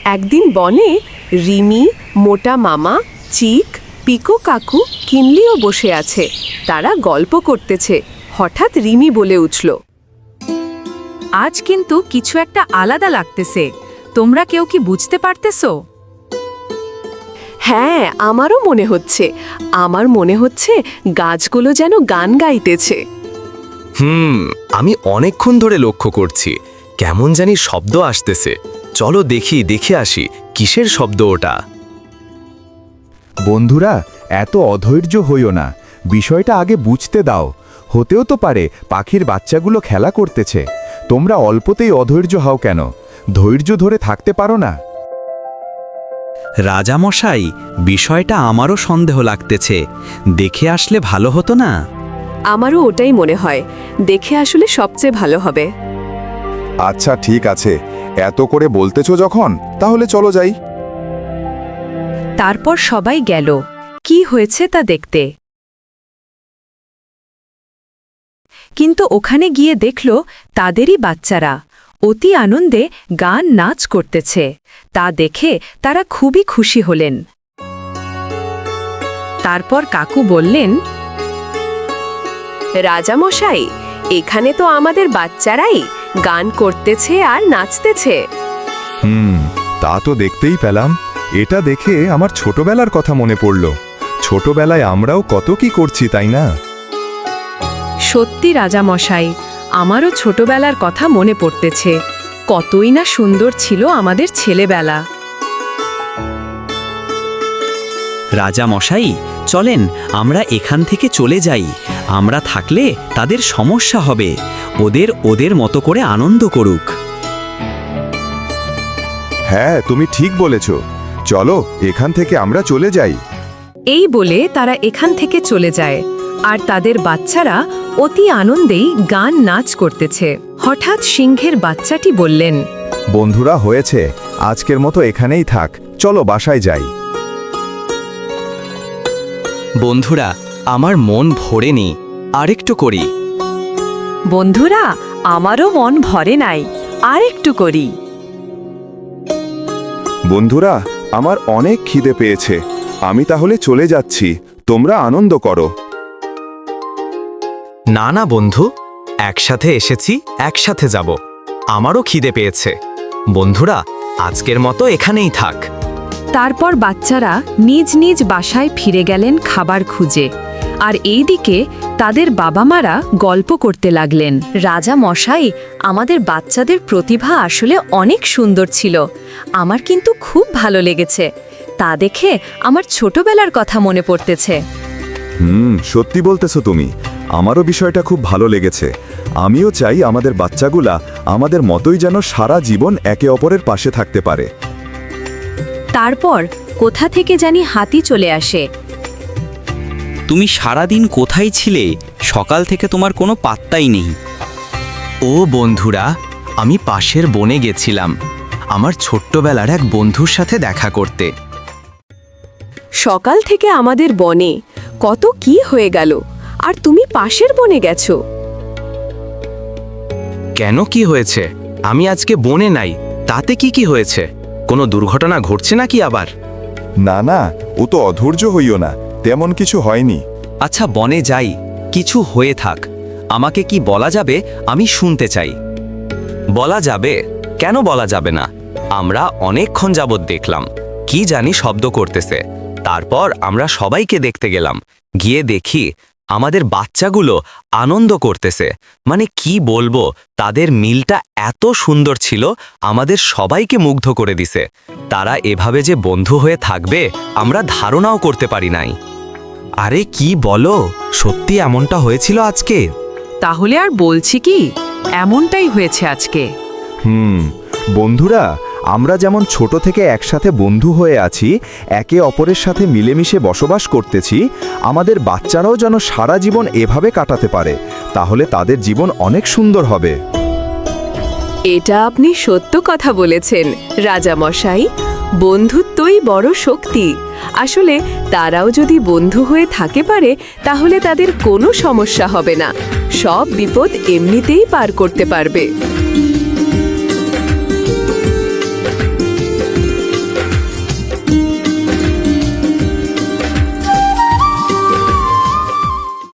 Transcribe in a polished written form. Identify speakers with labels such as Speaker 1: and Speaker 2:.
Speaker 1: একদিন বনে রিমি, মোটা মামা, চিক, পিকো কাকু, কিনলিও বসে আছে। তারা গল্প করতেছে। হঠাৎ রিমি বলে উঠল,
Speaker 2: আজ কিন্তু কিছু একটা আলাদা লাগতেছে। তোমরা কেউ কি বুঝতে পারতেছো?
Speaker 1: হ্যাঁ, আমারও মনে হচ্ছে। আমার মনে হচ্ছে গাছগুলো যেন গান গাইতেছে।
Speaker 3: আমি অনেকক্ষণ ধরে লক্ষ্য করছি, কেমন জানি শব্দ আসতেছে। চলো দেখে আসি কিসের শব্দ ওটা।
Speaker 4: বন্ধুরা, এত অধৈর্য হইও না, বিষয়টা আগে বুঝতে দাও। হতেও তো পারে পাখির বাচ্চাগুলো খেলা করতেছে। তোমরা অল্পতেই অধৈর্য হও কেন? ধৈর্য ধরে থাকতে পারো না?
Speaker 5: রাজামশাই, বিষয়টা আমারও সন্দেহ লাগতেছে। দেখে আসলে ভালো হতো না?
Speaker 1: আমারও ওটাই মনে হয়। দেখে আসলে সবচেয়ে ভালো হবে।
Speaker 6: আচ্ছা ঠিক আছে, এত করে বলতেছো যখন, তাহলে চলো যাই।
Speaker 2: তারপর সবাই গেল কি হয়েছে তা দেখতে। কিন্তু ওখানে গিয়ে দেখল তাদেরই বাচ্চারা অতি আনন্দে গান নাচ করতেছে। তা দেখে তারা খুবই খুশি হলেন। তারপর কাকু বললেন,
Speaker 1: রাজামশাই, এখানে তো আমাদের বাচ্চারাই গান করতেছে আর নাচতেছে।
Speaker 6: তা তো দেখতেই পেলাম। এটা দেখে আমার ছোটবেলার কথা মনে পড়ল। ছোটবেলায় আমরাও কত কি করছি, তাই না?
Speaker 2: সত্যি রাজামশাই, আমারও ছোটবেলার কথা মনে পড়তেছে। কতই না সুন্দর ছিল আমাদের ছেলেবেলা।
Speaker 5: রাজামশাই, চলেন আমরা এখান থেকে চলে যাই। আমরা থাকলে তাদের সমস্যা হবে। ওদের মতো করে আনন্দ করুক।
Speaker 6: হ্যাঁ, তুমি ঠিক বলেছ। চলো এখান থেকে আমরা চলে যাই।
Speaker 2: এই বলে তারা এখান থেকে চলে যায়। আর তাদের বাচ্চারা অতি আনন্দেই গান নাচ করতেছে। হঠাৎ সিংহের বাচ্চাটি বললেন,
Speaker 6: বন্ধুরা, হয়েছে, আজকের মতো এখানেই থাক। চলো বাসায় যাই।
Speaker 3: বন্ধুরা, আমার মন ভরেনি, আরেকটু করি।
Speaker 2: বন্ধুরা, আমারও মন ভরে নাই, আর একটু করি।
Speaker 6: বন্ধুরা, আমার অনেক খিদে পেয়েছে। আমি তাহলে চলে যাচ্ছি। তোমরা আনন্দ করো।
Speaker 3: না বন্ধু, একসাথে এসেছি, একসাথে যাব। আমারও খিদে পেয়েছে। বন্ধুরা, আজকের মতো এখানেই থাক।
Speaker 2: তারপর বাচ্চারা নিজ নিজ বাসায় ফিরে গেলেন খাবার খুঁজে। আর এইদিকে তাদের বাবা মারা গল্প করতে লাগলেন, রাজা মশাই, আমাদের বাচ্চাদের প্রতিভা আসলে অনেক সুন্দর ছিল। আমার কিন্তু খুব ভালো লেগেছে। তা দেখে আমার ছোটবেলার কথা মনে পড়তেছে।
Speaker 6: সত্যি বলতেছো তুমি। আমারও বিষয়টা খুব ভালো লেগেছে। আমিও চাই আমাদের বাচ্চাগুলা আমাদের মতোই যেন সারা জীবন একে অপরের পাশে থাকতে পারে।
Speaker 2: তারপর কোথা থেকে জানি হাতি চলে আসে।
Speaker 5: তুমি সারাদিন কোথায় ছিলে? সকাল থেকে তোমার কোনো পাত্তাই নেই।
Speaker 3: ও বন্ধুরা, আমি পাশের বনে গেছিলাম আমার ছোট্টবেলার এক বন্ধুর সাথে দেখা করতে।
Speaker 1: সকাল থেকে আমাদের বনে কত কি হয়ে গেল, আর তুমি পাশের বনে গেছো?
Speaker 3: কেন, কি হয়েছে? আমি আজকে বনে নাই, তাতে কি হয়েছে? কোনো দুর্ঘটনা ঘটছে নাকি আবার?
Speaker 6: না, ও তো অধৈর্য হইও না, তেমন কিছু হয়নি।
Speaker 5: আচ্ছা, বনে যাই, কিছু হয়ে থাক। আমাকে কি বলা যাবে? আমি শুনতে চাই।
Speaker 3: বলা যাবে? কেন বলা যাবে না? আমরা অনেকক্ষণ যাবৎ দেখলাম, কি জানি শব্দ করতেছে। তারপর আমরা সবাইকে দেখতে গেলাম। গিয়ে দেখি আমাদের বাচ্চাগুলো আনন্দ করতেছে। মানে কি বলবো, তাদের মিলটা এত সুন্দর ছিল, আমাদের সবাইকে মুগ্ধ করে দিছে। তারা এভাবে যে বন্ধু হয়ে থাকবে আমরা ধারণাও করতে পারি নাই।
Speaker 5: আরে কি বলো, সত্যি এমনটা হয়েছিল আজকে?
Speaker 2: তাহলে আর বলছি কি, এমনটাই হয়েছে আজকে।
Speaker 6: বন্ধুরা, আমরা যেমন ছোট থেকে একসাথে বন্ধু হয়ে আছি, একে অপরের সাথে মিলেমিশে বসবাস করতেছি, আমাদের বাচ্চারাও যেন সারা জীবন এভাবে কাটাতে পারে। তাহলে তাদের জীবন অনেক সুন্দর হবে।
Speaker 1: এটা আপনি সত্য কথা বলেছেন রাজামশাই। বন্ধুত্বই বড় শক্তি। আসলে তারাও যদি বন্ধু হয়ে থাকে পারে, তাহলে তাদের কোনো সমস্যা হবে না। সব বিপদ এমনিতেই পার করতে পারবে।